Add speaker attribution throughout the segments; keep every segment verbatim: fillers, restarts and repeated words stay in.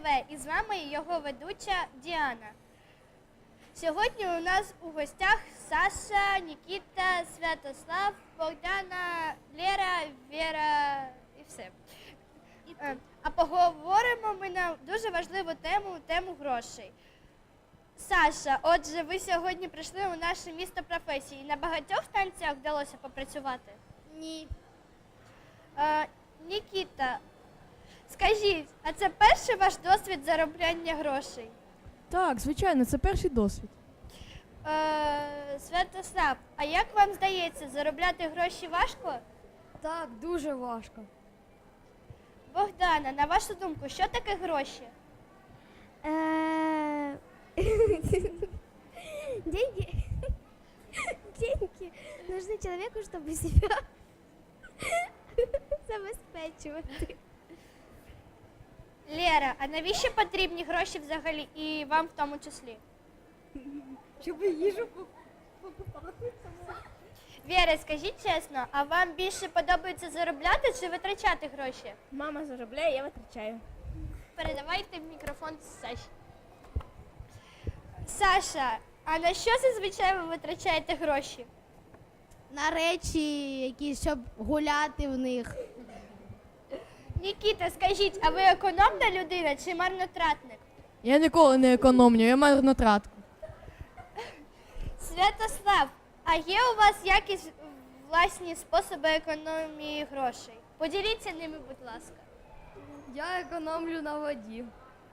Speaker 1: кафе. І з вами його ведуча Діана. Сьогодні у нас у гостях Саша, Нікіта, Святослав, Богдана, Лера, Віра і все. Е, А поговоримо ми на дуже важливу тему, тему грошей. Саша, отже, ви сьогодні прийшли у наше місто професії. На багатьох станціях вдалося попрацювати?
Speaker 2: Ні.
Speaker 1: Е, Нікіта, скажіть, а це перший ваш досвід заробляння грошей?
Speaker 3: Так, звичайно, це перший досвід.
Speaker 1: Е, Святослав, а як вам здається, заробляти гроші важко?
Speaker 3: Так, дуже важко.
Speaker 1: Богдана, на вашу думку, що таке гроші?
Speaker 2: Э, Деньги. Деньги нужны человеку, чтобы себя забезпечувати.
Speaker 1: Лера, а навіщо потрібні гроші взагалі і вам в тому числі?
Speaker 3: Щоб їжу покупати.
Speaker 1: Віра, скажіть чесно, а вам більше подобається заробляти чи витрачати гроші?
Speaker 2: Мама заробляє, я витрачаю.
Speaker 1: Передавайте мікрофон Саші. Саша, а на що зазвичай ви витрачаєте гроші?
Speaker 2: На речі, якісь, щоб гуляти в них.
Speaker 1: Нікіта, скажіть, а ви економна людина чи марнотратник?
Speaker 3: Я ніколи не економлю, я марнотратку.
Speaker 1: Святослав, а є у вас якісь власні способи економії грошей? Поділіться ними, будь ласка.
Speaker 3: Я економлю на воді.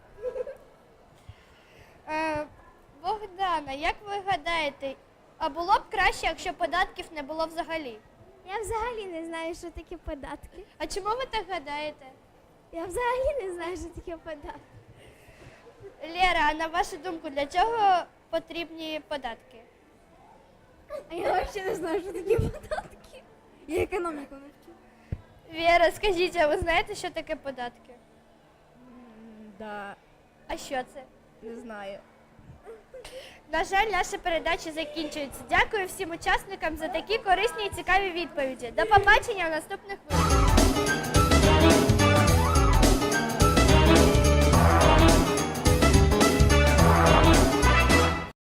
Speaker 1: Е, Богдана, як ви гадаєте, а було б краще, якщо податків не було взагалі?
Speaker 2: Я взагалі не знаю, що таке податки.
Speaker 1: А чому ви так гадаєте?
Speaker 2: Я взагалі не знаю, що таке податки.
Speaker 1: Лера, а на вашу думку, для чого потрібні податки?
Speaker 2: А я взагалі не знаю, що таке податки.
Speaker 3: Я економіку не вчу.
Speaker 1: Віра, скажіть, а ви знаєте, що таке податки?
Speaker 3: Да,
Speaker 1: А що це?
Speaker 3: не знаю.
Speaker 1: На жаль, наша передача закінчується. Дякую всім учасникам за такі корисні і цікаві відповіді. До побачення в наступних випусках.